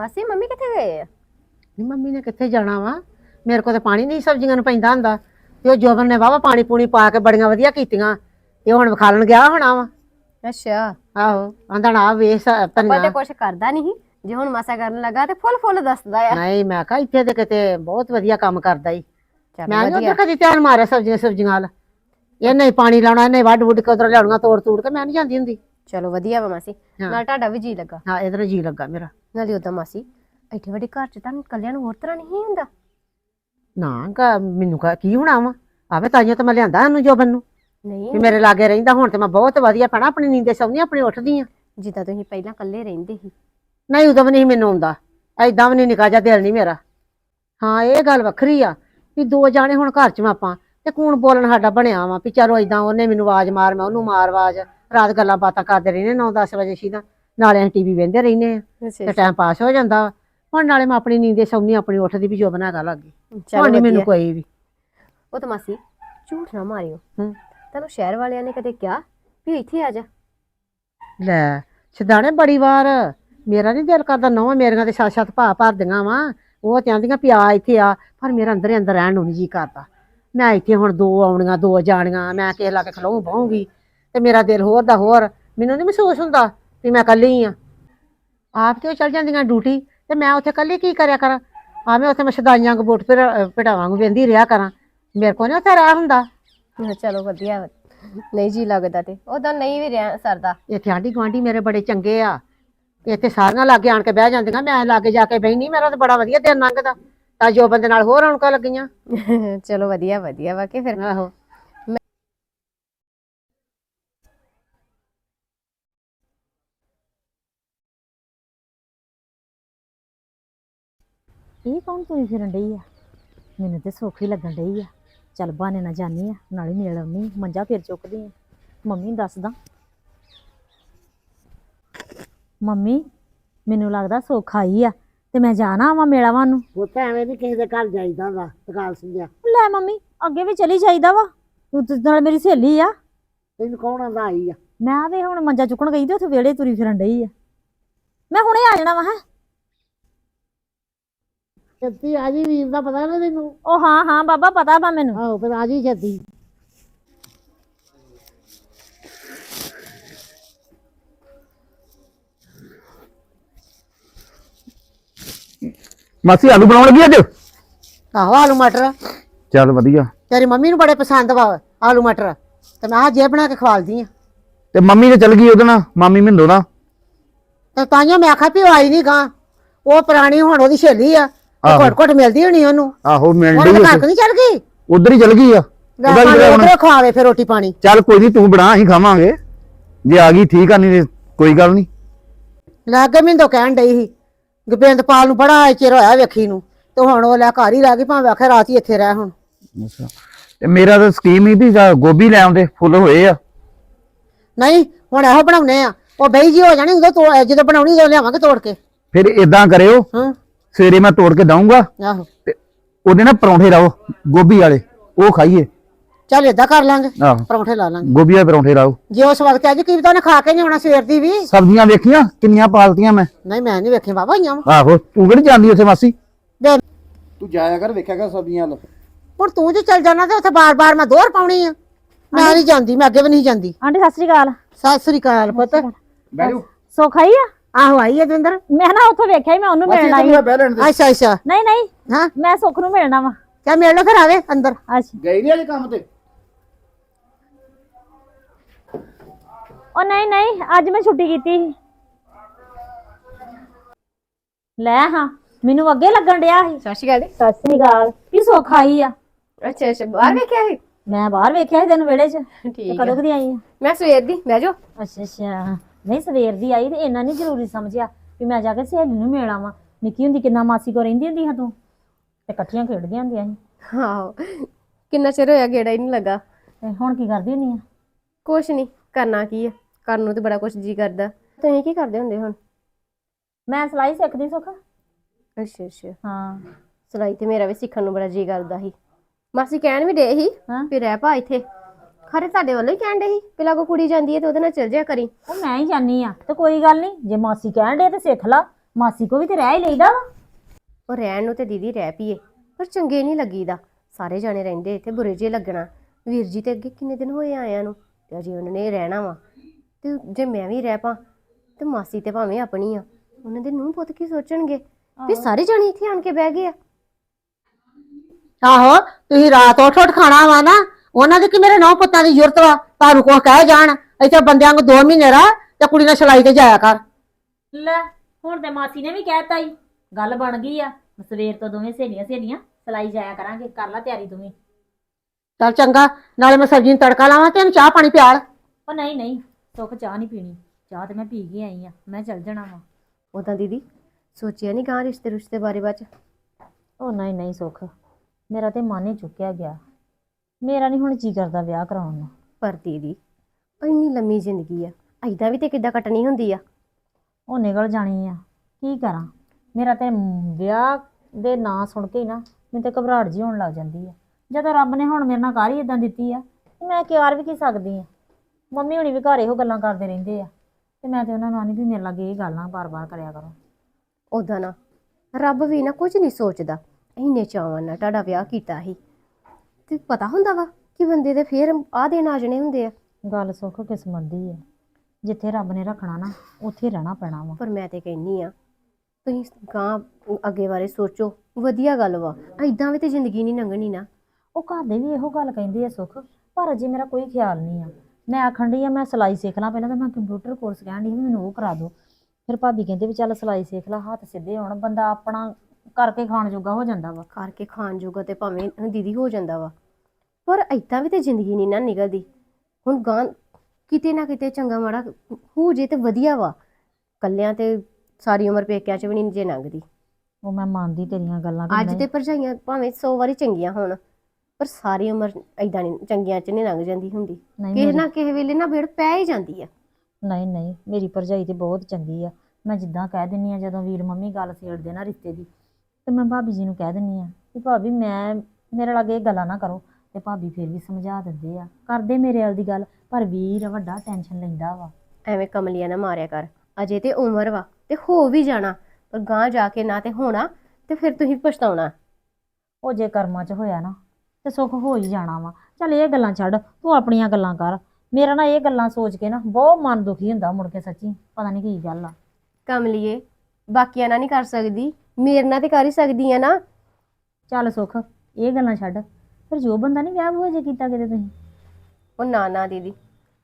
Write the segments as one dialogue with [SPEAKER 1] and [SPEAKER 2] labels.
[SPEAKER 1] ਮਾਸੀ ਮੰਮੀ ਕਿੱਥੇ ਗਏ ਆ?
[SPEAKER 2] ਨਹੀਂ ਮੰਮੀ ਨੇ ਕਿੱਥੇ ਜਾਣਾ ਵਾ। ਮੇਰੇ ਕੋਲ ਤੇ ਪਾਣੀ ਨਹੀਂ ਸਬਜ਼ੀਆਂ ਨੂੰ ਪੈਂਦਾ ਹੁੰਦਾ ਤੇ ਉਹ ਜੋਬਨ ਨੇ ਵਾਵਾ ਪਾਣੀ ਪੂਣੀ ਪਾ ਕੇ ਬੜੀਆਂ ਵਧੀਆ ਕੀਤੀਆਂ ਤੇ ਹੁਣ ਵਿਖਾਲਣ ਗਿਆ ਹੋਣਾ ਵਾ।
[SPEAKER 1] ਅੱਛਾ
[SPEAKER 2] ਆਹੋ ਆਂਦਾ ਨਾ ਵੇਖ
[SPEAKER 1] ਆਪਾਂ
[SPEAKER 2] ਧਨੀਆ।
[SPEAKER 1] ਤੇ ਕੁਛ ਕਰਦਾ ਨਹੀਂ ਜੇ ਹੁਣ ਮਾਸਾ ਕਰਨ ਲੱਗਾ ਤੇ ਫੁੱਲ ਫੁੱਲ ਦੱਸਦਾ ਆ।
[SPEAKER 2] ਨਹੀਂ ਮੈਂ ਕਿਹਾ ਇੱਥੇ ਤੇ ਕਿਤੇ ਬਹੁਤ ਵਧੀਆ ਕੰਮ ਕਰਦਾ ਈ।
[SPEAKER 1] ਚੱਲ
[SPEAKER 2] ਮੈਂ ਨੀ
[SPEAKER 1] ਵਧੀਆ।
[SPEAKER 2] ਉਧਰ ਕਦੀ ਧਿਆਨ ਮਾਰਿਆ ਸਬਜ਼ੀਆਂ ਵਾਲ। ਇਹਨੇ ਹੀ ਪਾਣੀ ਲਾਉਣਾ, ਇਹਨੇ ਵੱਢ ਵੁੱਢ ਕੇ ਉਧਰ ਲਿਆਉਣਾ ਤੋੜ ਤੂੜ ਕੇ। ਮੈਂ ਨਹੀਂ ਜਾਂਦੀ ਹੁੰਦੀ।
[SPEAKER 1] ਚਲੋ ਵਧੀਆ ਵਾ ਮਾਸੀ, ਨਾਲ ਤੁਹਾਡਾ ਵੀ ਜੀ ਲੱਗਾ।
[SPEAKER 2] ਹਾਂ ਇਧਰ ਜੀ ਲੱਗਾ ਮੇਰਾ।
[SPEAKER 1] ਨਾਲੇ ਉਦਾਂ ਮਾਸੀ ਇੱਥੇ ਵੱਡੇ ਘਰ ਚ ਤੁਹਾਨੂੰ ਕੱਲਿਆਂ ਨੂੰ ਹੋਰ ਤਰ੍ਹਾਂ ਨਹੀਂ ਹੁੰਦਾ।
[SPEAKER 2] ਨਾ ਮੈਨੂੰ ਕੀ ਹੋਣਾ ਵਾ। ਆਵੇ ਤਾਈਆਂ ਤਾਂ ਮੈਂ ਲਿਆਂਦਾ ਉਹਨੂੰ ਜੋਬਨ ਨੂੰ
[SPEAKER 1] ਨਹੀਂ
[SPEAKER 2] ਵੀ ਮੇਰੇ ਲਾਗੇ ਰਹਿੰਦਾ। ਹੁਣ ਤੇ ਮੈਂ ਬਹੁਤ ਵਧੀਆ ਪੈਣਾ ਆਪਣੀ ਨੀਂਦੇ ਸੌਂਦੀ ਆਪਣੀ ਉੱਠਦੀ ਆ।
[SPEAKER 1] ਜਿੱਦਾਂ ਤੁਸੀਂ ਪਹਿਲਾਂ ਕੱਲੇ ਰਹਿੰਦੇ ਸੀ।
[SPEAKER 2] ਨਹੀਂ ਉਦੋਂ ਵੀ ਨਹੀਂ ਮੈਨੂੰ ਆਉਂਦਾ ਐਦਾਂ ਵੀ ਨਹੀਂ। ਨਿਕਾ ਜਾ ਦਿਲ ਨਹੀਂ ਮੇਰਾ। ਹਾਂ ਇਹ ਗੱਲ ਵੱਖਰੀ ਆ ਵੀ ਦੋ ਜਾਣੇ ਹੁਣ ਘਰ ਚ ਆਪਾਂ ਤੇ ਕੂਣ ਬੋਲਣ ਸਾਡਾ ਬਣਿਆ ਵਾ ਵੀ ਚਲੋ ਏਦਾਂ ਉਹਨੇ ਮੈਨੂੰ ਆਵਾਜ਼ ਮਾਰ ਮੈਂ ਉਹਨੂੰ ਮਾਰ ਆਵਾਜ਼। ਰਾਤ ਗੱਲਾਂ ਬਾਤਾਂ ਕਰਦੇ ਰਹਿੰਦੇ 9-10 ਵਜੇ ਸੀਦਾ। ਨਾਲੇ ਅਸੀਂ ਟੀਵੀ ਵੇਖਦੇ ਰਹਿੰਦੇ ਆ ਤੇ ਟਾਈਮ ਪਾਸ ਹੋ ਜਾਂਦਾ। ਹੁਣ ਨਾਲੇ ਮੈਂ ਆਪਣੀ ਨੀਂਦੇ ਸੌਂਦੀ ਆਪਣੀ ਉੱਠਦੀ ਵੀ ਜੋਬਨ ਹੈਗਾ ਲੱਗੇ। ਹੁਣ ਨੀ ਮੈਨੂੰ ਕੋਈ ਵੀ।
[SPEAKER 1] ਉਹ ਤਾਂ ਮਾਸੀ ਝੂਠ ਨਾ ਮਾਰਿਓ। ਤੈਨੂੰ ਸ਼ਹਿਰ ਵਾਲਿਆਂ ਨੇ ਕਦੇ ਕਿਹਾ ਵੀ ਇੱਥੇ ਆ ਜਾ?
[SPEAKER 2] ਲੈ ਸਿਧਾਣੇ ਬੜੀ ਵਾਰ ਮੇਰਾ ਨਹੀਂ ਦਿਲ ਕਰਦਾ। ਨੌਵਾਂ ਮੇਰੀਆਂ ਤੇ ਸੱਤ ਭਾ ਭਰਦੀਆਂ ਵਾ। ਉਹ ਕਹਿੰਦੀਆਂ ਵੀ ਆ ਇੱਥੇ ਆ, ਪਰ ਮੇਰਾ ਅੰਦਰ ਅੰਦਰ ਰਹਿਣ ਨੂੰ ਨਹੀਂ ਜੀ ਕਰਦਾ। ਮੈਂ ਇੱਥੇ ਹੁਣ ਦੋ ਆਉਣੀਆਂ ਦੋ ਜਾਣੀਆਂ, ਮੈਂ ਕਿਸੇ ਲਾ ਕੇ ਖਲੋਂ ਬਹੂੰਗੀ ਤੇ ਮੇਰਾ ਦਿਲ ਹੋਰ ਦਾ ਹੋਰ। ਮੈਨੂੰ ਨਹੀਂ ਮਹਿਸੂਸ ਹੁੰਦਾ ਵੀ ਮੈਂ ਇਕੱਲੀ ਆ। ਆਪ ਤੇ ਉਹ ਚੱਲ ਜਾਂਦੀਆਂ ਡਿਊਟੀ ਤੇ ਮੈਂ ਉੱਥੇ ਇਕੱਲੀ ਕੀ ਕਰਿਆ ਕਰਾਂ। ਮੈਂ ਉੱਥੇ ਮੈਂ ਸਦਾਈਆਂ ਕੋ ਬੂਟ ਪਿੜਾਵਾਂਗੂ ਵਹਿੰਦੀ ਰਿਹਾ ਕਰਾਂ। ਮੇਰੇ ਕੋਲ ਨਹੀਂ ਉੱਥੇ ਰਹਿ ਹੁੰਦਾ।
[SPEAKER 1] ਚਲੋ ਵਧੀਆ। ਨਹੀਂ ਜੀ ਲੱਗਦਾ ਤੇ ਉਦਾਂ ਨਹੀਂ ਵੀ ਰਹਿ ਸਰਦਾ।
[SPEAKER 2] ਇੱਥੇ ਆਂਢੀ ਗੁਆਂਢੀ ਮੇਰੇ ਬੜੇ ਚੰਗੇ ਆ। ਇੱਥੇ ਸਾਰੀਆਂ ਲਾਗੇ ਆਣ ਕੇ ਬਹਿ ਜਾਂਦੀਆਂ। ਮੈਂ ਲਾਗੇ ਜਾ ਕੇ ਬਹਿਨੀ। ਮੇਰਾ ਤਾਂ ਬੜਾ ਵਧੀਆ ਦਿਨ ਲੰਘਦਾ। ਤਾਂ ਜੋ ਬੰਦੇ ਨਾਲ ਹੋਰ ਰੌਣਕਾਂ ਲੱਗੀਆਂ।
[SPEAKER 1] ਚਲੋ ਵਧੀਆ ਵਧੀਆ ਵਾ ਕਿ ਫਿਰ।
[SPEAKER 2] ਆਹੋ
[SPEAKER 3] ਇਹ ਕੌਣ ਤੁਰੀ ਫਿਰਨ ਡਈ ਆ? ਮੈਨੂੰ ਤੇ ਸੌਖੀ ਲੱਗਣ ਡਈ ਆ। ਚੱਲ ਬਹਾਨੇ ਨਾਲ ਜਾਨੀ ਆ, ਨਾਲੇ ਮਿਲ ਆਉਣੀ। ਮੰਜਾ ਫਿਰ ਚੁੱਕਦੀ ਆ। ਮੰਮੀ ਨੂੰ ਦੱਸਦਾ। ਮੰਮੀ ਮੈਨੂੰ ਲੱਗਦਾ ਸੁੱਖ ਆਈ ਆ ਤੇ ਮੈਂ ਜਾਣਾ ਵਾ ਮੇਲਾਵਾਂ ਨੂੰ।
[SPEAKER 2] ਉਹ ਤਾਂ ਐਵੇਂ ਨਹੀਂ ਕਿਸੇ ਦੇ ਘਰ ਜਾਈਦਾ ਵਾ ਤਕਾਲ ਸਿੰਘਿਆ।
[SPEAKER 3] ਲੈ ਮੰਮੀ ਅੱਗੇ ਵੀ ਚਲੀ ਜਾਈਦਾ ਵਾ। ਤੂੰ ਤੇ ਨਾਲ ਮੇਰੀ ਸਹੇਲੀ ਆ।
[SPEAKER 2] ਤੈਨੂੰ ਕੌਣ ਆਂਦਾ ਆਈ ਆ?
[SPEAKER 3] ਮੈਂ ਵੇ ਹੁਣ ਮੰਜਾ ਚੁੱਕਣ ਗਈ ਤੇ ਉੱਥੇ ਵਿਹੜੇ ਤੁਰੀ ਫਿਰਨ ਡਈ ਆ। ਮੈਂ ਹੁਣੇ ਆ ਜਾਣਾ ਵਾ। ਹੈ
[SPEAKER 2] ਛੱਤੀ ਆ ਜੀ। ਵੀਰ ਦਾ ਪਤਾ ਨਾ ਤੈਨੂੰ?
[SPEAKER 3] ਉਹ ਹਾਂ ਹਾਂ ਬਾਬਾ ਪਤਾ ਵਾ ਮੈਨੂੰ।
[SPEAKER 2] ਆਹੋ ਫਿਰ ਆ ਜੀ ਛੱਤੀ।
[SPEAKER 4] ਮਾਸੀ ਆਲੂ ਬਣਾਉਣ ਲੱਗੀ ਅੱਜ?
[SPEAKER 2] ਆਹੋ ਆਲੂ ਮਟਰ
[SPEAKER 4] ਚੱਲ ਵਧੀਆ।
[SPEAKER 2] ਤੇਰੀ ਮੰਮੀ ਨੂੰ ਬੜੇ ਪਸੰਦ ਵਾ ਆਲੂ ਮਟਰ ਤੇ ਮੈਂ ਜੇ ਬਣਾ ਕੇ ਖਵਾਲਦੀ ਆ।
[SPEAKER 4] ਤੇ ਮੰਮੀ ਤੇ ਚੱਲ ਗਈ ਉਹਦੇ ਨਾਲ, ਮਾਮੀ ਮਿੰਦੋ ਨਾਲ।
[SPEAKER 2] ਤੇ ਤਾਈਓ ਮੈਂ ਆਖਿਆ ਵੀ ਉਹ ਆਈ ਨਹੀਂ ਗਾ। ਉਹ ਪੁਰਾਣੀ ਹੁਣ ਉਹਦੀ ਸਹੇਲੀ ਆ। ਘੁੱਟ ਘੁੱਟ ਮਿਲਦੀ ਹੋਣੀ ਉਹਨੂੰ।
[SPEAKER 4] ਆਹੋ ਮਿਲ
[SPEAKER 2] ਹੁਣ
[SPEAKER 4] ਡਈ
[SPEAKER 2] ਘਰ ਨਹੀਂ ਚੱਲ ਗਈ।
[SPEAKER 4] ਉਧਰ ਹੀ ਚੱਲ ਗਈ ਆ। ਉਹਦਾ ਵੀ ਹੁਣ
[SPEAKER 2] ਉਧਰੋਂ ਖਵਾਵੇ ਫਿਰ ਰੋਟੀ ਪਾਣੀ।
[SPEAKER 4] ਚੱਲ ਕੋਈ ਨਹੀਂ, ਤੂੰ ਬਣਾ, ਅਸੀਂ ਖਾਵਾਂਗੇ। ਜੇ ਆ ਗਈ ਠੀਕ ਆ, ਨਹੀਂ ਤੇ ਕੋਈ ਗੱਲ ਨਹੀਂ।
[SPEAKER 2] ਲੱਗੇ ਮੈਨੂੰ ਕਹਿਣ ਡਈ ਸੀ ਗੋਬਿੰਦਪਾਲ ਨੂੰ ਬੜਾ ਚਿਰ ਹੋਇਆ ਵੇਖੀ ਨੂੰ ਤੇ ਹੁਣ ਉਹ ਲੈ ਘਰ ਹੀ ਰਹਿ ਗਈ। ਭਾਵੇਂ ਆਖਿਆ ਰਾਤ ਹੀ ਇੱਥੇ ਰਹਿ ਹੁਣ।
[SPEAKER 4] ਅੱਛਾ ਤੇ ਮੇਰਾ ਤਾਂ ਸਕੀਮ ਹੀ ਵੀ ਗੋਭੀ ਲੈ ਆਉਂਦੇ, ਫੁੱਲ ਹੋਏ ਆ।
[SPEAKER 2] ਨਹੀਂ ਹੁਣ ਇਹੋ ਬਣਾਉਣੇ ਆ। ਉਹ ਬਈ ਜੀ ਹੋ ਜਾਣੀ ਉਦੋਂ ਜਦੋਂ ਬਣਾਉਣੀ ਉਦੋਂ ਲਿਆਵਾਂਗੇ ਤੋੜ ਕੇ।
[SPEAKER 4] ਫਿਰ ਇਦਾਂ ਕਰਿਓ,
[SPEAKER 2] ਹਾਂ
[SPEAKER 4] ਸਵੇਰੇ ਮੈਂ ਤੋੜ ਕੇ ਦਊਂਗਾ
[SPEAKER 2] ਆਹੋ
[SPEAKER 4] ਤੇ ਉਹਦੇ ਨਾਲ ਪਰੌਂਠੇ ਲਾਓ ਗੋਭੀ ਵਾਲੇ, ਉਹ ਖਾਈਏ।
[SPEAKER 2] ਚੱਲ ਏਦਾਂ ਕਰ ਲਾਂਗੇ,
[SPEAKER 4] ਆਹੋ
[SPEAKER 2] ਪਰੌਂਠੇ ਲਾ ਲਾਂਗੇ।
[SPEAKER 4] ਗੋਭੀ ਵਾਲੇ ਪਰੌਂਠੇ ਲਾਓ।
[SPEAKER 2] ਜੇ ਉਸ ਵਕਤ ਅੱਜ ਕੀ ਪਤਾ ਉਹਨੇ ਖਾ ਕੇ ਨਹੀਂ ਆਉਣਾ ਸਵੇਰ ਦੀ ਵੀ।
[SPEAKER 4] ਸਬਜ਼ੀਆਂ ਵੇਖੀਆਂ ਕਿੰਨੀਆਂ ਪਾਲਤੀਆਂ ਮੈਂ?
[SPEAKER 2] ਨਹੀਂ ਮੈਂ ਨਹੀਂ ਵੇਖੀ ਬਾਬਾ ਆਈਆਂ ਵਾ।
[SPEAKER 4] ਆਹੋ ਤੂੰ ਕਿਹੜੀ ਜਾਂਦੀ ਉੱਥੇ ਮਾਸੀ?
[SPEAKER 2] ਵੇ
[SPEAKER 5] ਤੂੰ ਜਾਇਆ ਕਰ, ਵੇਖਿਆ ਕਰ ਸਬਜ਼ੀਆਂ ਵੱਲ।
[SPEAKER 2] ਹੁਣ ਤੂੰ ਜੇ ਚੱਲ ਜਾਣਾ ਤੇ ਉੱਥੇ ਬਾਰ-ਬਾਰ ਮੈਂ ਦੋਹਰ ਪਾਉਣੀ ਆ। ਮੈਂ ਨਹੀਂ ਜਾਂਦੀ, ਮੈਂ ਅੱਗੇ ਵੀ ਨਹੀਂ ਜਾਂਦੀ।
[SPEAKER 3] ਆਂਟੀ ਸਤਿ ਸ੍ਰੀ ਅਕਾਲ।
[SPEAKER 2] ਸਤਿ ਸ੍ਰੀ ਅਕਾਲ ਪੁੱਤ।
[SPEAKER 5] ਬਹਿ ਜਾਓ।
[SPEAKER 3] ਸੁੱਖ ਆਈ ਆ?
[SPEAKER 2] ਆਹੋ ਆਈ ਹੈ ਦਵਿੰਦਰ।
[SPEAKER 3] ਮੈਂ ਨਾ ਉੱਥੋਂ ਵੇਖਿਆ ਹੀ ਮੈਂ ਉਹਨੂੰ ਮਿਲਣ ਆਈ।
[SPEAKER 5] ਬਹਿ ਲੈਣ ਦੇ।
[SPEAKER 2] ਅੱਛਾ ਅੱਛਾ
[SPEAKER 3] ਨਹੀਂ ਨਹੀਂ
[SPEAKER 2] ਹਾਂ
[SPEAKER 3] ਮੈਂ ਸੁੱਖ ਨੂੰ ਮਿਲਣਾ ਵਾ।
[SPEAKER 2] ਚੱਲ ਮਿਲ ਲਓ ਫਿਰ ਆਵੇ ਅੰਦਰ।
[SPEAKER 3] ਅੱਛਾ
[SPEAKER 5] ਗਈ ਨਹੀਂ ਅਜੇ ਕੰਮ ਤੇ?
[SPEAKER 3] ਉਹ ਨਹੀਂ ਨਹੀਂ ਅੱਜ ਮੈਂ ਛੁੱਟੀ ਕੀਤੀ ਸੀ। ਲੈ ਹਾਂ ਮੈਨੂੰ ਅੱਗੇ ਲੱਗਣ ਡਿਆ ਸੀ।
[SPEAKER 1] ਸਤਿ ਸ਼੍ਰੀ ਅਕਾਲ।
[SPEAKER 3] ਸਤਿ ਸ੍ਰੀ ਅਕਾਲ। ਕੀ ਸੁੱਖ ਆਈ ਆ?
[SPEAKER 1] ਅੱਛਾ ਅੱਛਾ ਬਾਹਰ ਵੇਖਿਆ ਸੀ?
[SPEAKER 3] ਮੈਂ ਬਾਹਰ ਵੇਖਿਆ ਸੀ ਤੈਨੂੰ ਵਿਹੜੇ 'ਚ।
[SPEAKER 1] ਠੀਕ
[SPEAKER 3] ਕਦੋਂ ਕਦੀ ਆਈ ਆ?
[SPEAKER 1] ਮੈਂ ਸਵੇਰ ਦੀ ਬਹਿ ਜਾਓ।
[SPEAKER 3] ਅੱਛਾ ਅੱਛਾ ਨਹੀਂ ਸਵੇਰ ਦੀ ਆਈ ਤੇ ਇੰਨਾ ਨਹੀਂ ਜ਼ਰੂਰੀ ਸਮਝਿਆ ਵੀ ਮੈਂ ਜਾ ਕੇ ਸਹੇਲੀ ਨੂੰ ਮਿਲ ਆਵਾਂ। ਨਿੱਕੀ ਹੁੰਦੀ ਕਿੰਨਾ ਮਾਸੀ ਕੋ ਰਹਿੰਦੀ ਹੁੰਦੀ ਹਾਂ ਤੂੰ ਤੇ ਇਕੱਠੀਆਂ ਖੇਡਦੀਆਂ ਹੁੰਦੀਆਂ ਸੀ।
[SPEAKER 1] ਆਹੋ ਕਿੰਨਾ ਚਿਰ ਹੋਇਆ ਗੇੜਾ ਹੀ ਨਹੀਂ ਲੱਗਾ।
[SPEAKER 3] ਤੇ ਹੁਣ ਕੀ ਕਰਦੀ ਹੁੰਦੀ ਆ?
[SPEAKER 1] ਕੁਛ ਨਹੀਂ ਕਰਨਾ ਕੀ ਆ, ਕਰਨ ਨੂੰ ਤੇ ਬੜਾ ਕੁਛ ਜੀ ਕਰਦਾ। ਤੁਸੀਂ ਕੀ ਕਰਦੇ ਹੁੰਦੇ ਹੁਣ?
[SPEAKER 3] ਮੈਂ ਸਿਲਾਈ ਸਿੱਖਦੀ ਸੁੱਖ।
[SPEAKER 1] ਅੱਛਾ ਅੱਛਾ
[SPEAKER 3] ਹਾਂ
[SPEAKER 1] ਸਿਲਾਈ ਤੇ ਮੇਰਾ ਵੀ ਸਿੱਖਣ ਨੂੰ ਬੜਾ ਜੀ ਕਰਦਾ ਸੀ। ਮਾਸੀ ਕਹਿਣ ਵੀ ਡੇ ਸੀ
[SPEAKER 3] ਹਾਂ
[SPEAKER 1] ਵੀ ਰਹਿ ਪਾ ਇੱਥੇ। ਖਰੇ ਤੁਹਾਡੇ ਵੱਲੋਂ ਹੀ ਕਹਿਣ ਡੇ ਸੀ ਵੀ ਲਾਗੋ ਕੁੜੀ ਜਾਂਦੀ ਹੈ ਤੇ ਉਹਦੇ ਨਾਲ ਚੱਲ ਜਿਆ ਕਰੀ।
[SPEAKER 3] ਉਹ ਮੈਂ ਹੀ ਜਾਨੀ ਆ ਤੇ ਕੋਈ ਗੱਲ ਨਹੀਂ ਜੇ ਮਾਸੀ ਕਹਿਣ ਡੇ ਤੇ ਸਿੱਖ ਲਾ। ਮਾਸੀ ਕੋ ਵੀ ਤੇ ਰਹਿ ਹੀ ਲਈਦਾ ਵਾ।
[SPEAKER 1] ਉਹ ਰਹਿਣ ਨੂੰ ਤੇ ਦੀਦੀ ਰਹਿ ਪਈਏ, ਪਰ ਚੰਗੇ ਨਹੀਂ ਲੱਗੀਦਾ। ਸਾਰੇ ਜਾਣੇ ਰਹਿੰਦੇ ਇੱਥੇ ਬੁਰੇ ਜੇ ਲੱਗਣਾ। ਵੀਰ ਜੀ ਤੇ ਅੱਗੇ ਕਿੰਨੇ ਦਿਨ ਹੋਏ ਆਇਆਂ ਨੂੰ, ਤੇ ਅਜੇ ਉਹਨਾਂ ਨੇ ਰਹਿਣਾ ਵਾ। ਤੇ ਜੇ ਮੈਂ ਵੀ ਰਹਿ ਪਾ ਤੇ ਮਾਸੀ ਤੇ ਭਾਵੇਂ ਆਪਣੀ ਆ, ਉਹਨਾਂ ਦੇ ਨੂੰਹ ਪੁੱਤ ਕੀ ਸੋਚਣਗੇ ਵੀ ਸਾਰੇ ਜਾਣੇ ਇੱਥੇ ਆਣ ਕੇ ਬਹਿ ਗਏ ਆ।
[SPEAKER 2] ਆਹੋ ਤੁਸੀਂ ਰਾਤ ਉੱਠ ਉੱਠ ਖਾਣਾ ਵਾ ਨਾ, ਉਹਨਾਂ ਦੀ ਕਿ ਮੇਰੇ ਨੌ ਪੁੱਤਾਂ ਦੀ ਜ਼ਰੂਰਤ ਵਾ ਤੁਹਾਨੂੰ ਕੁਛ ਕਹਿ ਜਾਣ। ਇੱਥੇ ਬੰਦਿਆਂ ਨੂੰ 2 ਮਹੀਨੇ ਰਹਿ ਤੇ ਕੁੜੀ ਨਾਲ ਸਿਲਾਈ ਤੇ ਜਾਇਆ ਕਰ।
[SPEAKER 3] ਲੈ ਹੁਣ ਤੇ ਮਾਸੀ ਨੇ ਵੀ ਕਹਿਤਾ ਈ, ਗੱਲ ਬਣ ਗਈ ਆ। ਸਵੇਰ ਤੋਂ ਦੋਵੇਂ ਸਹੇਲੀਆਂ ਸਿਲਾਈ ਜਾਇਆ ਕਰਾਂਗੇ। ਕਰ ਲਾ ਤਿਆਰੀ ਤੂੰ ਵੀ।
[SPEAKER 2] ਚੱਲ ਚੰਗਾ, ਨਾਲੇ ਮੈਂ ਸਬਜ਼ੀ ਨੂੰ ਤੜਕਾ ਲਾਵਾਂ ਤੇ ਇਹਨੂੰ ਚਾਹ ਪਾਣੀ ਪਿਆਲ।
[SPEAKER 3] ਉਹ ਨਹੀਂ ਸੁੱਖ ਚਾਹ ਨਹੀਂ ਪੀਣੀ, ਚਾਹ ਤੇ ਮੈਂ ਪੀ ਕੇ ਆਈ ਆ, ਮੈਂ ਚੱਲ ਜਾਣਾ ਵਾ।
[SPEAKER 1] ਉਦਾਂ ਦੀਦੀ ਸੋਚਿਆ ਨਹੀਂ ਗਾਂ ਰਿਸ਼ਤੇ ਬਾਰੇ ਬਾਅਦ ਚ?
[SPEAKER 3] ਉਹ ਨਹੀਂ ਸੁੱਖ, ਮੇਰਾ ਤੇ ਮਨ ਹੀ ਚੁੱਕਿਆ ਗਿਆ। ਮੇਰਾ ਨਹੀਂ ਹੁਣ ਜੀ ਕਰਦਾ ਵਿਆਹ ਕਰਾਉਣ ਨੂੰ।
[SPEAKER 1] ਪਰ ਦੀਦੀ ਇੰਨੀ ਲੰਮੀ ਜ਼ਿੰਦਗੀ ਆ, ਐਦਾਂ ਵੀ ਤੇ ਕਿੱਦਾਂ ਕੱਟਣੀ ਹੁੰਦੀ ਆ।
[SPEAKER 3] ਉਹ ਨਿਕਲ ਜਾਣੀ ਆ, ਕੀ ਕਰਾਂ। ਮੇਰਾ ਤੇ ਵਿਆਹ ਦੇ ਨਾਂ ਸੁਣ ਕੇ ਹੀ ਨਾ ਮੈਨੂੰ ਤੇ ਘਬਰਾਹਟ ਜਿਹੀ ਹੋਣ ਲੱਗ ਜਾਂਦੀ ਆ। ਜਦੋਂ ਰੱਬ ਨੇ ਹੁਣ ਮੇਰੇ ਨਾਲ ਕਾਰ ਹੀ ਇਦਾਂ ਦਿੱਤੀ ਆ, ਮੈਂ ਕਿਆਰ ਵੀ ਕੀ ਸਕਦੀ ਆ। ਮੰਮੀ ਹੁਣੀ ਵੀ ਘਰ ਇਹੋ ਗੱਲਾਂ ਕਰਦੇ ਰਹਿੰਦੇ ਆ, ਤੇ ਮੈਂ ਤੇ ਉਹਨਾਂ ਨੂੰ ਆਨੀ ਵੀ ਮੇਰੇ ਲਾਗੇ ਇਹ ਗੱਲਾਂ ਬਾਰ-ਬਾਰ ਕਰਿਆ ਕਰੋ।
[SPEAKER 1] ਉਦਾਂ ਨਾ ਰੱਬ ਵੀ ਨਾ ਕੁਝ ਨਹੀਂ ਸੋਚਦਾ। ਇੰਨੇ ਚਾਵਾਂ ਨਾਲ ਤੁਹਾਡਾ ਵਿਆਹ ਕੀਤਾ ਸੀ, ਤੇ ਪਤਾ ਹੁੰਦਾ ਵਾ ਕਿ ਬੰਦੇ ਦੇ ਫੇਰ ਆਹ ਦਿਨ ਆ ਜਾਣੇ ਹੁੰਦੇ ਆ।
[SPEAKER 3] ਗੱਲ ਸੁੱਖ ਕਿਸਮਤ ਦੀ ਆ, ਜਿੱਥੇ ਰੱਬ ਨੇ ਰੱਖਣਾ ਨਾ ਉੱਥੇ ਰਹਿਣਾ ਪੈਣਾ ਵਾ।
[SPEAKER 1] ਪਰ ਮੈਂ ਤੇ ਕਹਿੰਨੀ ਆ ਤੁਸੀਂ ਗਾਂ ਅੱਗੇ ਬਾਰੇ ਸੋਚੋ, ਵਧੀਆ ਗੱਲ ਵਾ। ਐਦਾਂ ਵੀ ਤੇ ਜ਼ਿੰਦਗੀ ਨਹੀਂ ਲੰਘਣੀ ਨਾ।
[SPEAKER 3] ਉਹ ਘਰ ਦੇ ਵੀ ਇਹੋ ਗੱਲ ਕਹਿੰਦੇ ਆ ਸੁੱਖ, ਪਰ ਅਜੇ ਮੇਰਾ ਕੋਈ ਖਿਆਲ ਨਹੀਂ ਆ। ਮੈਂ ਆਖਣ ਡਈ ਆ ਮੈਂ ਸਿਲਾਈ ਸਿੱਖ ਲਾਂ ਪਹਿਲਾਂ, ਤਾਂ ਮੈਂ ਕੰਪਿਊਟਰ ਕੋਰਸ ਕਹਿਣ ਡਈ ਵੀ ਮੈਨੂੰ ਉਹ ਕਰਾ ਦਿਓ। ਫਿਰ ਭਾਬੀ ਕਹਿੰਦੇ ਵੀ ਚੱਲ ਸਿਲਾਈ ਸਿੱਖ ਲਾ, ਹੱਥ ਸਿੱਧੇ ਹੋਣ, ਬੰਦਾ ਆਪਣਾ ਕਰਕੇ ਖਾਣ ਜੋਗਾ ਹੋ ਜਾਂਦਾ ਵਾ।
[SPEAKER 1] ਕਰਕੇ ਖਾਣ ਜੋਗਾ ਤੇ ਭਾਵੇਂ ਦੀਦੀ ਹੋ ਜਾਂਦਾ ਵਾ, ਪਰ ਐਦਾਂ ਵੀ ਤੇ ਜ਼ਿੰਦਗੀ ਨਹੀਂ ਨਾ ਨਿਕਲਦੀ। ਹੁਣ ਗਾਂ ਕਿਤੇ ਨਾ ਕਿਤੇ ਚੰਗਾ ਮਾੜਾ ਹੋ ਜੇ ਤੇ ਵਧੀਆ ਵਾ। ਕੱਲਿਆਂ ਤੇ ਸਾਰੀ ਉਮਰ ਪੇਕਿਆਂ 'ਚ ਵੀ ਨਹੀਂ ਜੇ ਲੰਘਦੀ।
[SPEAKER 3] ਉਹ ਮੈਂ ਮੰਨਦੀ ਤੇਰੀਆਂ ਗੱਲਾਂ ਕਿ
[SPEAKER 1] ਅੱਜ
[SPEAKER 3] ਨਹੀਂ।
[SPEAKER 1] ਤੇ ਭਰਜਾਈਆਂ ਭਾਵੇਂ 100 ਵਾਰੀ ਚੰਗੀਆਂ ਹੋਣ, ਪਰ ਸਾਰੀ ਉਮਰ ਐਦਾਂ ਨਹੀਂ ਚੰਗੀਆਂ 'ਚ ਨਹੀਂ ਲੰਘ ਜਾਂਦੀ ਹੁੰਦੀ। ਕਿਸੇ ਨਾ ਕਿਸੇ ਵੇਲੇ ਨਾ ਵਿੜ ਪੈ ਹੀ ਜਾਂਦੀ ਆ।
[SPEAKER 3] ਨਹੀਂ ਮੇਰੀ ਭਰਜਾਈ ਤੇ ਬਹੁਤ ਚੰਗੀ ਆ। ਮੈਂ ਜਿੱਦਾਂ ਕਹਿ ਦਿੰਨੀ ਆ, ਜਦੋਂ ਵੀਰ ਮੰਮੀ ਗੱਲ ਛੇੜਦੇ ਨਾ ਰਿਸ਼ਤੇ ਦੀ, ਤੇ ਮੈਂ ਭਾਬੀ ਜੀ ਨੂੰ ਕਹਿ ਦਿੰਨੀ ਆ ਕਿ ਭਾਬੀ ਮੇਰੇ ਲਾਗੇ ਇਹ ਗੱਲਾਂ ਨਾ ਕਰੋ। ਤੇ ਭਾਬੀ ਫਿਰ ਵੀ ਸਮਝਾ ਦਿੰਦੇ ਆ, ਕਰਦੇ ਮੇਰੇ ਵਾਲ ਦੀ ਗੱਲ। ਪਰ ਵੀਰ ਵੱਡਾ ਟੈਨਸ਼ਨ ਲੈਂਦਾ ਵਾ।
[SPEAKER 1] ਐਵੇਂ ਕਮਲੀਆਂ ਨਾ ਮਾਰਿਆ ਕਰ, ਅਜੇ ਤੇ ਉਮਰ ਵਾ ਤੇ ਹੋ ਵੀ ਜਾਣਾ, ਪਰ ਗਾਂ ਜਾ ਕੇ ਨਾ ਤੇ ਹੋਣਾ ਤੇ ਫਿਰ ਤੁਸੀਂ ਪਛਤਾਉਣਾ।
[SPEAKER 3] ਉਹ ਜੇ ਕਰਮਾਂ 'ਚ ਹੋਇਆ ਨਾ ਤੇ ਸੁੱਖ ਹੋ ਹੀ ਜਾਣਾ ਵਾ। ਚੱਲ ਇਹ ਗੱਲਾਂ ਛੱਡ, ਤੂੰ ਆਪਣੀਆਂ ਗੱਲਾਂ ਕਰ। ਮੇਰਾ ਨਾ ਇਹ ਗੱਲਾਂ ਸੋਚ ਕੇ ਨਾ ਬਹੁਤ ਮਨ ਦੁਖੀ ਹੁੰਦਾ ਮੁੜ ਕੇ, ਸੱਚੀ ਪਤਾ ਨਹੀਂ ਕੀ ਗੱਲ ਆ।
[SPEAKER 1] ਕਮਲੀਏ ਬਾਕੀਆਂ ਨਾਲ ਨਹੀਂ ਕਰ ਸਕਦੀ, ਮੇਰੇ ਨਾਲ ਤੇ ਕਰ ਹੀ ਸਕਦੀ ਆ ਨਾ।
[SPEAKER 3] ਚੱਲ ਸੁੱਖ ਇਹ ਗੱਲਾਂ ਛੱਡ, ਫਿਰ ਜੋ ਬੰਦਾ ਨਹੀਂ ਵਿਆਹ ਹੋ ਜੇ ਕੀਤਾ ਕਿਤੇ ਤੁਸੀਂ।
[SPEAKER 1] ਉਹ ਨਾ ਦੀਦੀ,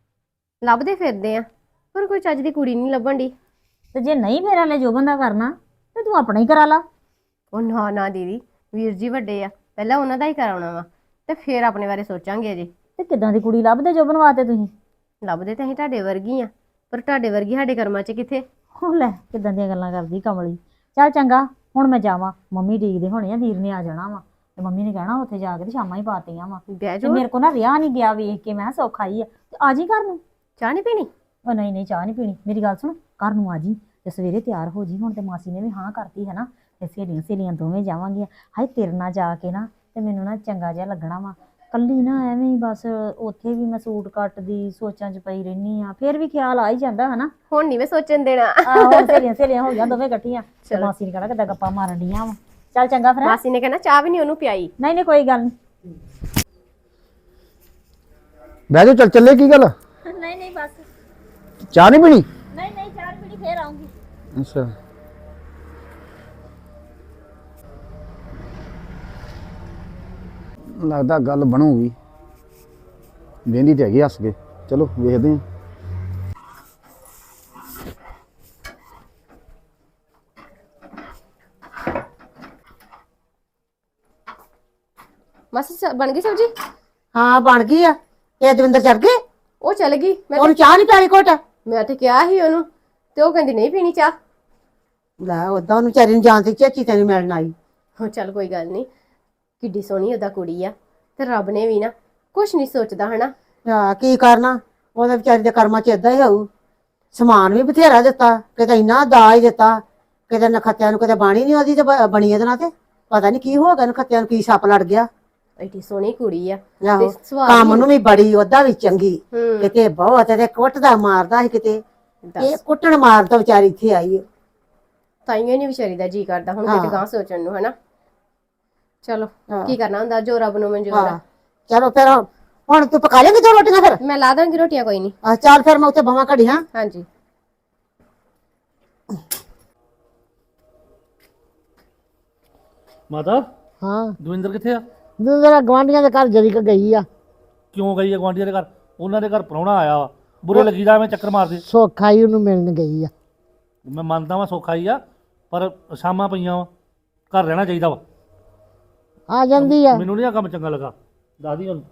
[SPEAKER 1] ਲੱਭਦੇ ਫਿਰਦੇ ਆ ਪਰ ਕੋਈ ਚੱਜ ਦੀ ਕੁੜੀ ਨਹੀਂ ਲੱਭਣ ਦੀ।
[SPEAKER 3] ਤੇ ਜੇ ਨਹੀਂ ਮੇਰਾ ਲੈ ਜੋ ਬੰਦਾ ਕਰਨਾ ਤੇ ਤੂੰ ਆਪਣਾ ਹੀ ਕਰਾ ਲਾ।
[SPEAKER 1] ਉਹ ਨਾ ਦੀਦੀ, ਵੀਰ ਜੀ ਵੱਡੇ ਆ, ਪਹਿਲਾਂ ਉਹਨਾਂ ਦਾ ਹੀ ਕਰਾਉਣਾ ਵਾ ਤੇ ਫਿਰ ਆਪਣੇ ਬਾਰੇ ਸੋਚਾਂਗੇ। ਅਜੇ
[SPEAKER 3] ਤੇ ਕਿੱਦਾਂ ਦੀ ਕੁੜੀ ਲੱਭਦੇ ਜੋ ਬਣਵਾਤੇ ਤੁਸੀਂ?
[SPEAKER 1] ਲੱਭਦੇ ਤਾਂ ਅਸੀਂ ਤੁਹਾਡੇ ਵਰਗੀ ਆ, ਪਰ ਤੁਹਾਡੇ ਵਰਗੀ ਸਾਡੇ ਕਰਮਾਂ 'ਚ ਕਿੱਥੇ।
[SPEAKER 3] ਹੋ ਲੈ ਕਿੱਦਾਂ ਦੀਆਂ ਗੱਲਾਂ ਕਰਦੀ ਕਮਲੀ। ਚੱਲ ਚੰਗਾ ਹੁਣ ਮੈਂ ਜਾਵਾਂ, ਮੰਮੀ ਡੀਕਦੇ ਹੋਣੇ ਆ, ਵੀਰ ਨੇ ਆ ਜਾਣਾ ਵਾ ਤੇ ਮੰਮੀ ਨੇ ਕਹਿਣਾ ਉੱਥੇ ਜਾ ਕੇ ਤੇ ਸ਼ਾਮਾਂ ਹੀ ਪਾਤੀਆਂ ਵਾ।
[SPEAKER 1] ਬਹਿ
[SPEAKER 3] ਤੇ
[SPEAKER 1] ਜਾਓ,
[SPEAKER 3] ਮੇਰੇ ਕੋਲ ਨਾ ਰਿਹਾ ਨਹੀਂ ਗਿਆ ਵੇਖ ਕੇ, ਮੈਂ ਸੌਖਾ ਹੀ ਆ ਤੇ ਆ ਜੀ ਘਰ ਨੂੰ।
[SPEAKER 1] ਚਾਹ ਨਹੀਂ ਪੀਣੀ?
[SPEAKER 3] ਉਹ ਨਹੀਂ ਚਾਹ ਨਹੀਂ ਪੀਣੀ, ਮੇਰੀ ਗੱਲ ਸੁਣ, ਘਰ ਨੂੰ ਆ ਜੀ ਤੇ ਸਵੇਰੇ ਤਿਆਰ ਹੋ ਜੀ। ਹੁਣ ਤੇ ਮਾਸੀ ਨੇ ਵੀ ਹਾਂ ਕਰਤੀ ਹੈ ਨਾ, ਤੇ ਸਹੇਲੀਆਂ ਦੋਵੇਂ ਜਾਵਾਂਗੀਆਂ। ਹਾਏ ਤੇਰੇ ਨਾਲ ਜਾ ਕੇ ਨਾ ਤੇ ਮੈਨੂੰ ਨਾ ਚੰਗਾ ਜਿਹਾ ਲੱਗਣਾ ਵਾ। ਕੱਲੀ ਨਾ ਐਵੇਂ ਹੀ ਬਸ ਉੱਥੇ ਵੀ ਮੈਂ ਸੂਟ ਕੱਟਦੀ ਸੋਚਾਂ 'ਚ ਪਈ ਰਹਿਨੀ ਆ, ਫਿਰ ਵੀ ਖਿਆਲ ਆ ਹੀ ਜਾਂਦਾ ਹਨਾ।
[SPEAKER 1] ਹੁਣ ਨਹੀਂ ਮੈਂ ਸੋਚਣ ਦੇਣਾ।
[SPEAKER 3] ਆਹੋ ਸਹੇਲੀਆਂ ਹੋ ਗਈਆਂ ਦੋਵੇਂ ਇਕੱਠੀਆਂ, ਤੇ ਮਾਸੀ ਨੇ ਕਹਿਣਾ ਕਿੱਦਾਂ ਗੱਪਾਂ ਮਾਰਨ ਡੀਆਂ ਵਾ। ਚੱਲ ਚੰਗਾ ਫਿਰ।
[SPEAKER 1] ਮਾਸੀ ਨੇ ਕਹਿਣਾ ਚਾਹ ਵੀ ਨਹੀਂ ਉਹਨੂੰ ਪਿਆਈ।
[SPEAKER 3] ਨਹੀਂ ਕੋਈ ਗੱਲ ਨਹੀਂ।
[SPEAKER 4] ਬਹਿ ਜਾ, ਚੱਲ ਚੱਲੇ, ਕੀ ਗੱਲ?
[SPEAKER 3] ਨਹੀਂ ਬਸ।
[SPEAKER 4] ਚਾਹ ਨਹੀਂ ਪੀਣੀ?
[SPEAKER 3] ਨਹੀਂ ਚਾਹ ਪੀਣੀ, ਫੇਰ ਆਉਂਗੀ।
[SPEAKER 4] ਅੱਛਾ ਲੱਗਦਾ ਗੱਲ ਬਣੂਗੀ, ਵੇਂਦੀ ਤੇ ਹੈਗੀ ਹੱਸ ਕੇ। ਚਲੋ ਵੇਖਦੇ ਹਾਂ।
[SPEAKER 1] ਮਾਸੀ ਬਣ ਗਈ ਸਬਜੀ?
[SPEAKER 2] ਹਾਂ ਬਣ ਗਈ ਆ। ਇਹ ਦਵਿੰਦਰ ਚੜ ਗਏ?
[SPEAKER 1] ਉਹ ਚਲ ਗਈ।
[SPEAKER 2] ਉਹਨੂੰ ਚਾਹ ਨਹੀਂ ਪਿਆਲੀ ਘੁੱਟ?
[SPEAKER 1] ਮੈਂ ਤੇ ਕਿਹਾ ਸੀ ਉਹਨੂੰ, ਤੇ ਉਹ ਕਹਿੰਦੀ ਨਹੀਂ ਪੀਣੀ ਚਾਹ।
[SPEAKER 2] ਲੈ ਉਦਾਂ ਉਹਨੂੰ ਵਿਚਾਰੀ ਨੂੰ ਜਾਣ ਦੀ ਝੇਚੀ ਤੈਨੂੰ ਮਿਲਣ ਆਈ।
[SPEAKER 1] ਹਾਂ ਚੱਲ ਕੋਈ ਗੱਲ ਨਹੀਂ, ਕਿੱਡੀ ਸੋਹਣੀ ਉਹਦਾ ਕੁੜੀ ਆ, ਤੇ ਰੱਬ ਨੇ ਵੀ ਨਾ ਕੁਛ ਨਹੀਂ ਸੋਚਦਾ ਹਨਾ।
[SPEAKER 2] ਆ ਕੀ ਕਰਨਾ, ਉਹਦੇ ਵਿਚਾਰੀ ਦੇ ਕਰਮਾਂ 'ਚ ਏਦਾਂ ਹੀ ਹੋਊ। ਸਮਾਨ ਵੀ ਬਥੇਰਾ ਦਿੱਤਾ, ਕਿਤੇ ਇੰਨਾ ਦਾਜ ਦਿੱਤਾ, ਕਿਤੇ ਨਖੱਤਿਆਂ ਨੂੰ ਕਿਤੇ ਬਾਣੀ ਨਹੀਂ ਉਹਦੀ ਤੇ ਬਣੀ ਇਹਦੇ ਨਾਲ। ਤੇ ਪਤਾ ਨਹੀਂ ਕੀ ਹੋ ਗਿਆ, ਨਖੱਤਿਆਂ ਨੂੰ ਕੀ ਸੱਪ ਲੜ ਗਿਆ।
[SPEAKER 1] ਐਡੀ ਸੋਹਣੀ ਕੁੜੀ ਆ,
[SPEAKER 2] ਆਹੋ,
[SPEAKER 1] ਤੇ ਸੁਭਾਅ
[SPEAKER 2] ਕੰਮ ਨੂੰ ਵੀ ਬੜੀ, ਉਹਦਾ ਵੀ ਚੰਗੀ।
[SPEAKER 1] ਹੂੰ।
[SPEAKER 2] ਕਿਤੇ ਬਹੁਤ ਤੇ ਕੁੱਟਦਾ ਮਾਰਦਾ ਸੀ, ਕਿਤੇ
[SPEAKER 1] ਦੱਸ।
[SPEAKER 2] ਇਹ ਕੁੱਟਣ ਮਾਰ ਤੋਂ ਵਿਚਾਰੀ ਇੱਥੇ ਆਈ।
[SPEAKER 1] ਤਾਈਓ ਨਹੀਂ ਵਿਚਾਰੀ ਦਾ ਜੀ ਕਰਦਾ ਹੁਣ ਕਿਤੇ ਗਾਂ ਸੋਚਣ ਨੂੰ ਹਨਾ। ਚਲੋ ਕੀ ਕਰਨਾ ਹੁੰਦਾ, ਜੋ ਰੱਬ ਨੂੰ ਮਨਜ਼ੂਰ ਆ।
[SPEAKER 2] ਚਲੋ ਫਿਰ ਹੁਣ ਤੂੰ ਪਕਾ ਲੇਂਗੀ 2 ਰੋਟੀਆਂ ਫਿਰ?
[SPEAKER 1] ਮੈਂ ਲਾ ਦਾਂਗੀ ਰੋਟੀਆਂ, ਕੋਈ ਨਹੀਂ।
[SPEAKER 2] ਆ ਚੱਲ ਫਿਰ ਮੈਂ ਉੱਥੇ ਬਵਾਂ ਘੜੀ ਹਾਂ।
[SPEAKER 1] ਹਾਂਜੀ।
[SPEAKER 6] ਮਾਤਾ
[SPEAKER 2] ਹਾਂ
[SPEAKER 6] ਦਵਿੰਦਰ ਕਿੱਥੇ ਆ?
[SPEAKER 2] ਜਰਾ ਗਵਾਂਢੀਆਂ ਦੇ ਘਰ ਜਰੀ ਕ ਗਈ ਆ।
[SPEAKER 6] ਕਿਉਂ ਗਈ ਆ ਗੁਆਂਢੀਆਂ ਦੇ ਘਰ? ਉਹਨਾਂ ਦੇ ਘਰ ਪ੍ਰਾਹੁਣਾ ਆਇਆ ਵਾ, ਬੁਰੇ ਲੱਗੀ ਜਾ ਐਵੇਂ ਚੱਕਰ ਮਾਰਦੇ।
[SPEAKER 2] ਸੋਖਾ ਹੀ ਉਹਨੂੰ ਮਿਲਣ ਗਈ ਆ।
[SPEAKER 6] ਮੈਂ ਮੰਨਦਾ ਵਾਂ ਸੌਖਾ ਹੀ ਆ, ਪਰ ਸ਼ਾਮਾਂ ਪਈਆਂ ਵਾ, ਘਰ ਰਹਿਣਾ ਚਾਹੀਦਾ ਵਾ।
[SPEAKER 2] ਆ ਜਾਂਦੀ ਆ।
[SPEAKER 6] ਮੈਨੂੰ ਨਹੀਂ ਆ ਕੰਮ ਚੰਗਾ ਲੱਗਾ, ਦੱਸਦੀ ਹੁਣ।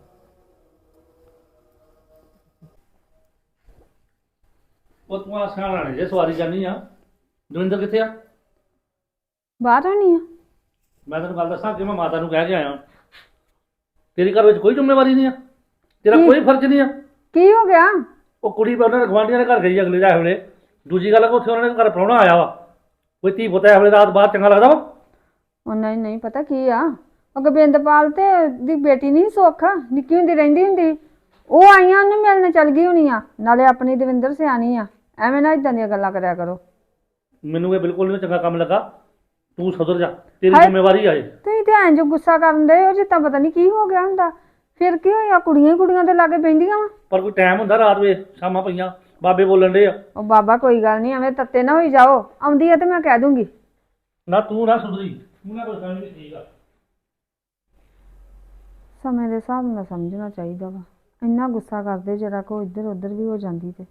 [SPEAKER 6] ਉਹ ਤੂੰ ਆ ਸਿਆਣਾ ਨੇ ਜੇ ਸਵਾਰੀ ਜਾਨੀ ਆ। ਦਵਿੰਦਰ ਕਿੱਥੇ ਆ?
[SPEAKER 7] ਬਾਹਰ ਆਣੀ ਆ।
[SPEAKER 6] ਮੈਂ ਤੈਨੂੰ ਗੱਲ ਦੱਸਾਂ ਕਿ ਮੈਂ ਮਾਤਾ ਨੂੰ ਕਹਿ ਕੇ ਆਇਆ, ਤੇਰੇ ਘਰ ਵਿੱਚ ਕੋਈ ਜ਼ਿੰਮੇਵਾਰੀ ਨਹੀਂ ਆ, ਤੇਰਾ ਕੋਈ ਫਰਜ਼ ਨਹੀਂ ਆ।
[SPEAKER 7] ਕੀ ਹੋ ਗਿਆ?
[SPEAKER 6] ਉਹ ਕੁੜੀ ਉਹਨਾਂ ਦੇ ਗਵਾਂਢੀਆਂ ਦੇ ਘਰ ਗਈ ਅਗਲੇ ਜਾਏ ਵੇਲੇ। ਦੂਜੀ ਗੱਲ ਆ ਕਿ ਉੱਥੇ ਉਹਨਾਂ ਦੇ ਘਰ ਪ੍ਰਾਹੁਣਾ ਆਇਆ ਵਾ, ਕੋਈ ਧੀ ਪੁੱਤ ਹੈ ਵੇਲੇ ਰਾਤ ਬਾਹਰ ਚੰਗਾ ਲੱਗਦਾ ਵਾ?
[SPEAKER 7] ਉਹ ਨਹੀਂ ਪਤਾ ਕੀ ਆ, ਉਹ ਗੋਬਿੰਦਪਾਲ ਤੇ ਦੀ ਬੇਟੀ ਨਹੀਂ ਸੁੱਖ ਨਿੱਕੀ ਹੁੰਦੀ ਰਹਿੰਦੀ ਹੁੰਦੀ, ਉਹ ਆਈਆਂ ਉਹਨੂੰ ਮਿਲਣ ਚੱਲ ਗਈ ਹੋਣੀ ਆ। ਨਾਲੇ ਆਪਣੀ ਦਵਿੰਦਰ ਸਿਆਣੀ ਆ, ਐਵੇਂ ਨਾ ਇਦਾਂ ਦੀਆਂ ਗੱਲਾਂ ਕਰਿਆ ਕਰੋ।
[SPEAKER 6] ਮੈਨੂੰ ਇਹ ਬਿਲਕੁਲ ਨਹੀਂ ਚੰਗਾ ਕੰਮ ਲੱਗਾ, ਤੂੰ ਸੁਧਰ ਜਾ, ਤੇਰੀ ਜ਼ਿੰਮੇਵਾਰੀ ਆ ਇਹ।
[SPEAKER 7] ਤੁਸੀਂ ਤੇ ਐਂ ਜੋ ਗੁੱਸਾ ਕਰਨ ਦੇ ਹੋ ਜਿੱਦਾਂ ਪਤਾ ਨਹੀਂ ਕੀ ਹੋ ਗਿਆ ਹੁੰਦਾ। ਫਿਰ ਕੀ ਹੋਇਆ, ਕੁੜੀਆਂ ਹੀ ਕੁੜੀਆਂ ਦੇ ਲਾਗੇ ਬਹਿੰਦੀਆਂ ਵਾ।
[SPEAKER 6] ਪਰ ਕੋਈ ਟਾਈਮ ਹੁੰਦਾ ਰਾਤ ਵੇ, ਸ਼ਾਮਾਂ ਪਈਆਂ, ਬਾਬੇ ਬੋਲਣ ਡੇ ਆ।
[SPEAKER 7] ਉਹ ਬਾਬਾ ਕੋਈ ਗੱਲ ਨਹੀਂ, ਐਵੇਂ ਤੱਤੇ ਨਾ ਹੋਈ ਜਾਓ, ਆਉਂਦੀ ਆ ਤੇ ਮੈਂ ਕਹਿ ਦੂੰਗੀ।
[SPEAKER 6] ਨਾ ਤੂੰ ਨਾ ਸੁਧਰੀ, ਤੂੰ ਨਾ ਕੋਈ ਸਮਝ ਨਹੀਂ। ਠੀਕ ਆ,
[SPEAKER 7] ਸਮੇਂ ਦੇ ਹਿਸਾਬ ਨਾਲ ਸਮਝਣਾ ਚਾਹੀਦਾ ਵਾ। ਇੰਨਾ ਗੁੱਸਾ ਕਰਦੇ ਜਰਾ ਕੋ ਇੱਧਰ ਉੱਧਰ ਵੀ ਹੋ ਜਾਂਦੀ ਤੇ।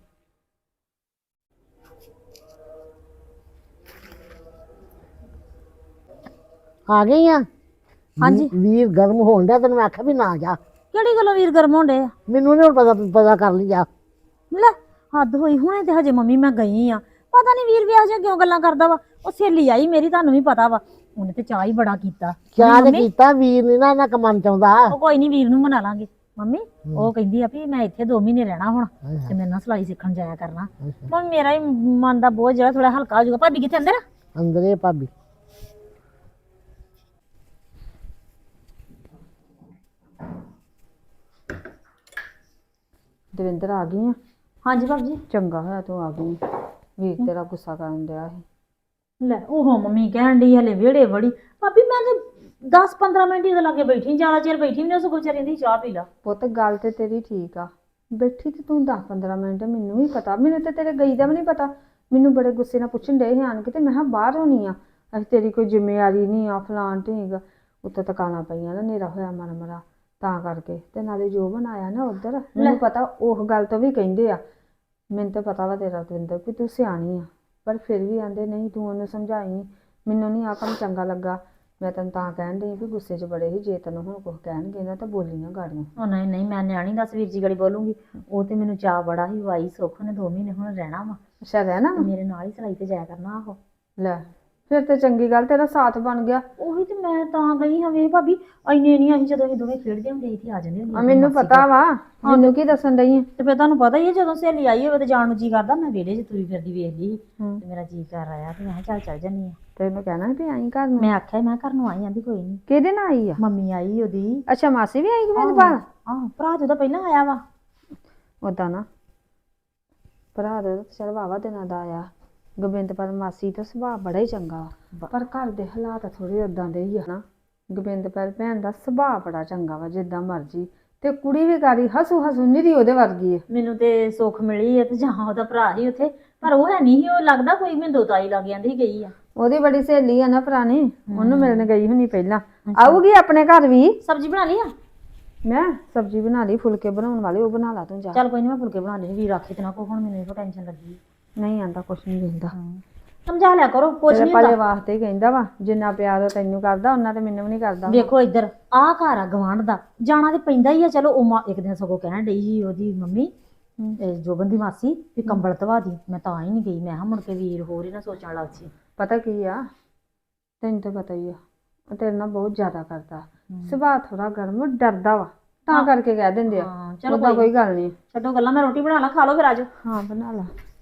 [SPEAKER 2] ਆ ਗਈ ਆ।
[SPEAKER 3] ਹਾਂਜੀ।
[SPEAKER 2] ਵੀਰ ਗਰਮ ਹੋਣ ਡਿਆ, ਤੈਨੂੰ ਮੈਂ ਆਖਿਆ ਵੀ ਨਾ ਜਾ।
[SPEAKER 3] ਕਿਹੜੀ ਗੱਲੋਂ ਵੀਰ ਗਰਮ ਹੋਣ ਡੇ ਆ?
[SPEAKER 2] ਮੈਨੂੰ ਨਹੀਂ ਹੁਣ ਪਤਾ ਕਰ ਲਈ ਜਾ।
[SPEAKER 3] ਲੈ ਹੱਦ ਹੋਈ, ਹੁਣੇ ਤੇ ਹਜੇ ਮੰਮੀ ਮੈਂ ਗਈ ਆ। ਪਤਾ ਨਹੀਂ ਵੀਰ ਵਿਆਹ ਜਿਹਾ ਕਿਉਂ ਗੱਲਾਂ ਕਰਦਾ ਵਾ। ਉਹ ਸਹੇਲੀ ਆਈ ਮੇਰੀ, ਤੁਹਾਨੂੰ ਵੀ ਪਤਾ ਵਾ, ਉਹਨੇ ਤੇ ਚਾਹ ਹੀ ਬੜਾ ਕੀਤਾ।
[SPEAKER 2] ਕਿਆ ਤੇ
[SPEAKER 3] ਮੰਮੀ,
[SPEAKER 2] ਕੀਤਾ, ਵੀਰ ਨੇ ਨਾ ਕਮਨ ਚਾਹੁੰਦਾ।
[SPEAKER 3] ਉਹ ਕੋਈ ਨਹੀਂ ਵੀਰ ਨੂੰ ਮਨਾ ਲਾਂਗੇ। ਮੰਮੀ ਉਹ ਕਹਿੰਦੀ ਆ ਵੀ ਮੈਂ ਇੱਥੇ 2 ਮਹੀਨੇ ਰਹਿਣਾ ਹੁਣ ਤੇ ਮੇਰੇ ਨਾਲ ਸਿਲਾਈ ਸਿੱਖਣ ਜਾਇਆ ਕਰਨਾ। ਮੰਮੀ ਮੇਰਾ ਹੀ ਮਨ ਦਾ ਬੋਝ ਜਿਹੜਾ ਥੋੜਾ ਹਲਕਾ ਹੋ ਜਾਊਗਾ। ਭਾਬੀ ਕਿੱਥੇ ਅੰਦਰ?
[SPEAKER 2] ਅੰਦਰੇ ਭਾਬੀ।
[SPEAKER 7] ਦਵਿੰਦਰ ਆ ਗਈ ਆ?
[SPEAKER 3] ਹਾਂਜੀ ਭਾਬੀ ਜੀ।
[SPEAKER 7] ਚੰਗਾ ਹੋਇਆ ਤੂੰ ਆ ਗਈ, ਵੀਰ ਤੇਰਾ ਗੁੱਸਾ ਕਰਨ ਡਿਆ ਸੀ।
[SPEAKER 3] ਲੈ ਉਹ ਮੰਮੀ ਕਹਿਣ ਡਈ ਹਲੇ ਵਿਹੜੇ ਵੜੀ। ਭਾਬੀ ਮੈਂ ਤੇ 10-15 ਮਿੰਟ ਹੀ ਉਹਦੇ ਲਾਗੇ ਬੈਠੀ, ਜ਼ਿਆਦਾ ਚਿਰ ਬੈਠੀ ਵੀ ਨਹੀਂ। ਉਸ ਵਿਚਾਰੀ ਦੀ ਚਾਹ ਪੀ ਲਾ।
[SPEAKER 7] ਪੁੱਤ ਗੱਲ ਤੇ ਤੇਰੀ ਠੀਕ ਆ, ਬੈਠੀ ਤੇ ਤੂੰ 10-15 ਮਿੰਟ, ਮੈਨੂੰ ਵੀ ਪਤਾ, ਮੈਨੂੰ ਤੇ ਤੇਰੇ ਗਈ ਦਾ ਵੀ ਨਹੀਂ ਪਤਾ। ਮੈਨੂੰ ਬੜੇ ਗੁੱਸੇ ਨਾਲ ਪੁੱਛਣ ਡਏ ਆਣ ਕੇ ਤੇ ਮੈਂ ਕਿਹਾ ਬਾਹਰ ਹੋਣੀ ਆ, ਅਸੀਂ ਤੇਰੀ ਕੋਈ ਜ਼ਿੰਮੇਵਾਰੀ ਨਹੀਂ ਆ, ਫਲਾਣ ਢੀਂਗ। ਉੱਤੇ ਤਕਾਣਾ ਪਈਆਂ ਨਾ, ਹਨੇਰਾ ਹੋਇਆ ਮਰਾ ਤਾਂ ਕਰਕੇ। ਤੇ ਨਾਲੇ ਜੋ ਬਣਾਇਆ ਨਾ ਉੱਧਰ, ਮੈਨੂੰ ਪਤਾ ਉਹ ਗੱਲ ਤੋਂ ਵੀ ਕਹਿੰਦੇ ਆ। ਮੈਨੂੰ ਤਾਂ ਪਤਾ ਵਾ ਤੇਰਾ ਦਵਿੰਦਰ ਵੀ ਤੂੰ ਸਿਆਣੀ ਆ, ਪਰ ਫਿਰ ਵੀ ਆਂਦੇ ਨਹੀਂ ਤੂੰ ਉਹਨੂੰ ਸਮਝਾਈ। ਮੈਨੂੰ ਨਹੀਂ ਆ ਕੰਮ ਚੰਗਾ ਲੱਗਾ। ਮੈਂ ਤੈਨੂੰ ਤਾਂ ਕਹਿਣ ਡਈ ਵੀ ਗੁੱਸੇ 'ਚ ਬੜੇ ਸੀ, ਜੇ ਤੈਨੂੰ ਹੁਣ ਕੁਝ ਕਹਿਣਗੇ ਨਾ ਤਾਂ ਬੋਲੀ ਨਾ ਗਾੜੀਆਂ।
[SPEAKER 3] ਉਹ ਨਹੀਂ ਮੈਂ ਨਿਆਣੀ ਦੱਸ ਵੀਰ ਜੀ ਗੜੀ ਬੋਲੂੰਗੀ। ਉਹ ਤੇ ਮੈਨੂੰ ਚਾਹ ਬੜਾ ਹੀ ਵਾਈ, ਸੁੱਖ ਨੇ 2 ਮਹੀਨੇ ਹੁਣ ਰਹਿਣਾ ਵਾ,
[SPEAKER 7] ਅੱਛਾ ਰਹਿਣਾ ਵਾ?
[SPEAKER 3] ਮੇਰੇ ਨਾਲ ਹੀ ਸਿਲਾਈ ਤੇ ਜਾਇਆ ਕਰਨਾ। ਆਹੋ
[SPEAKER 7] ਲੈ ਫਿਰ ਤੇ ਚੰਗੀ ਗੱਲ, ਤੇਰਾ ਸਾਥ ਬਣ ਗਿਆ।
[SPEAKER 3] ਉਹੀ ਤੇ ਮੈਂ ਤਾਂ ਗਈ ਹਾਂ। ਵੇ ਭਾਬੀ ਇੰਨੇ ਨਹੀਂ, ਅਸੀਂ ਜਦੋਂ ਅਸੀਂ ਦੋਵੇਂ ਖੇਡਦੇ ਹੁੰਦੇ ਇੱਥੇ ਆ ਜਾਂਦੇ ਹੁੰਦੇ।
[SPEAKER 7] ਮੈਨੂੰ ਪਤਾ ਵਾ, ਮੈਨੂੰ ਕੀ ਦੱਸਣ ਡਈ ਆ?
[SPEAKER 3] ਤੇ ਫਿਰ ਤੁਹਾਨੂੰ ਪਤਾ ਹੀ ਹੈ ਜਦੋਂ ਸਹੇਲੀ ਆਈ ਹੋਵੇ ਤੇ ਜਾਣ ਨੂੰ ਜੀ ਕਰਦਾ। ਮੈਂ ਵਿਹੜੇ 'ਚ ਤੁਰੀ ਫਿਰਦੀ ਵੇਖ ਲਈ ਤੇ ਮੇਰਾ ਜੀ ਕਰ ਆਇਆ ਤੇ ਮੈਂ ਕਿਹਾ ਚੱਲ ਜਾਂਦੀ ਆ।
[SPEAKER 7] ਤੈਨੂੰ ਕਹਿਣਾ ਵੀ ਆਈ ਘਰ ਨੂੰ?
[SPEAKER 3] ਮੈਂ ਆਖਿਆ ਮੈਂ ਘਰ ਨੂੰ ਆਈ, ਆਂਦੀ ਕੋਈ ਨਹੀਂ।
[SPEAKER 7] ਕਿਹਦੇ ਨਾਲ ਆਈ ਆ?
[SPEAKER 3] ਮੰਮੀ ਆਈ ਉਹਦੀ।
[SPEAKER 7] ਅੱਛਾ ਮਾਸੀ ਵੀ ਆਈ ਗੋਬਿੰਦਪਾਲ?
[SPEAKER 3] ਆਹ ਭਰਾ ਤੇ ਉਹਦਾ ਪਹਿਲਾਂ ਆਇਆ ਵਾ।
[SPEAKER 7] ਉਦਾਂ ਨਾ ਭਰਾ ਦਾ ਤਾਂ ਚਲ ਵਾਵਾ ਦਿਨਾਂ ਦਾ ਆਇਆ। ਗੋਬਿੰਦਪਾਲ ਮਾਸੀ ਦਾ ਸੁਭਾਅ ਬੜਾ ਹੀ ਚੰਗਾ ਵਾ, ਪਰ ਘਰ ਦੇ ਹਾਲਾਤ ਥੋੜੇ ਉਦਾਂ ਦੇ ਹੀ ਆ ਨਾ। ਗੋਬਿੰਦਪਾਲ ਭੈਣ ਦਾ ਸੁਭਾਅ ਬੜਾ ਚੰਗਾ ਵਾ, ਜਿੱਦਾਂ ਮਰਜੀ। ਤੇ ਕੁੜੀ ਵੀ ਗਾੜੀ ਹਸੂ ਨਿਰੀ ਉਹਦੇ ਵਰਗੀ ਹੈ।
[SPEAKER 3] ਮੈਨੂੰ ਤੇ ਸੁੱਖ ਮਿਲੀ ਹੈ ਤੇ ਜਾਂ ਉਹਦਾ ਭਰਾ ਹੀ ਉੱਥੇ, ਪਰ ਉਹ ਹੈ ਨਹੀਂ ਸੀ। ਉਹ ਲੱਗਦਾ ਕੋਈ ਮਿੰਦੋ ਤਾਈ ਲੱਗ ਜਾਂਦੀ ਗਈ ਆ।
[SPEAKER 7] ਉਹਦੀ ਬੜੀ ਸਹੇਲੀ ਆ ਨਾ ਪੁਰਾਣੀ, ਉਹਨੂੰ ਮਿਲਣ ਗਈ ਹੁਣੀ ਪਹਿਲਾਂ। ਆਊਗੀ ਆਪਣੇ ਘਰ ਵੀ।
[SPEAKER 3] ਸਬਜ਼ੀ ਬਣਾ ਲਈ ਆ?
[SPEAKER 7] ਮੈਂ ਸਬਜ਼ੀ ਬਣਾ ਲਈ, ਫੁਲਕੇ ਬਣਾਉਣ ਵਾਲੇ ਉਹ ਬਣਾ ਲਾ ਤੂੰ ਜਾ।
[SPEAKER 3] ਚੱਲ ਕੋਈ ਨਹੀਂ, ਮੈਂ ਫੁਲਕੇ ਬਣਾ ਲੈਣੀ। ਵੀਰ ਆਖੇ ਤੇ ਨਾ ਕੋ, ਹੁਣ ਮੈਨੂੰ ਇਹੋ ਟੈਨਸ਼ਨ ਲੱਗੀ।
[SPEAKER 7] ਨਹੀਂ ਆਂਦਾ ਕੁਛ ਨਹੀਂ ਕਹਿੰਦਾ,
[SPEAKER 3] ਸਮਝਾ ਲਿਆ ਕਰੋ, ਕੁਛ
[SPEAKER 7] ਤੇਰੇ
[SPEAKER 3] ਨਹੀਂ
[SPEAKER 7] ਭਲੇ
[SPEAKER 3] ਹੁੰਦਾ।
[SPEAKER 7] ਵਾਸਤੇ ਹੀ ਕਹਿੰਦਾ ਵਾ। ਜਿੰਨਾ ਪਿਆਰ ਉਹ ਤੈਨੂੰ ਕਰਦਾ ਉਹਨਾਂ ਤੇ ਮੈਨੂੰ ਵੀ ਨਹੀਂ ਕਰਦਾ।
[SPEAKER 3] ਵੇਖੋ ਇੱਧਰ ਆਹ ਘਰ ਆ ਗਵਾਂਢ ਦਾ, ਜਾਣਾ ਤੇ ਪੈਂਦਾ ਹੀ ਆ। ਚਲੋ ਉਹ ਇੱਕ ਦਿਨ ਸਗੋਂ ਕਹਿਣ ਡਈ ਸੀ ਉਹਦੀ ਮੰਮੀ, ਜੋਬਨ ਦੀ ਮਾਸੀ, ਵੀ ਕੰਬਲ ਧਵਾ ਦੀ। ਮੈਂ ਤਾਂ ਹੀ ਨਹੀਂ ਗਈ। ਮੈਂ ਕਿਹਾ ਮੁੜ ਕੇ ਵੀਰ ਹੋਰ ਹੀ ਨਾ ਸੋਚਣ ਲੱਗ ਸੀ।
[SPEAKER 7] ਪਤਾ ਕੀ ਆ, ਤੈਨੂੰ ਤਾਂ ਪਤਾ ਹੀ ਆ, ਉਹ ਤੇਰੇ ਨਾਲ ਬਹੁਤ ਜ਼ਿਆਦਾ ਕਰਦਾ। ਸੁਭਾਅ ਥੋੜਾ ਗਰਮ, ਡਰਦਾ ਵਾ, ਤਾਂ ਕਰਕੇ ਕਹਿ ਦਿੰਦੇ ਆ।
[SPEAKER 3] ਹਾਂ ਚਲੋ
[SPEAKER 7] ਉਹਦਾ ਕੋਈ ਗੱਲ ਨਹੀਂ।
[SPEAKER 3] ਛੱਡੋ ਗੱਲਾਂ, ਮੈਂ ਰੋਟੀ ਬਣਾ ਲਾ, ਖਾ ਲਓ ਫਿਰ ਆਜੋ।
[SPEAKER 7] ਹਾਂ ਬਣਾ ਲਾ।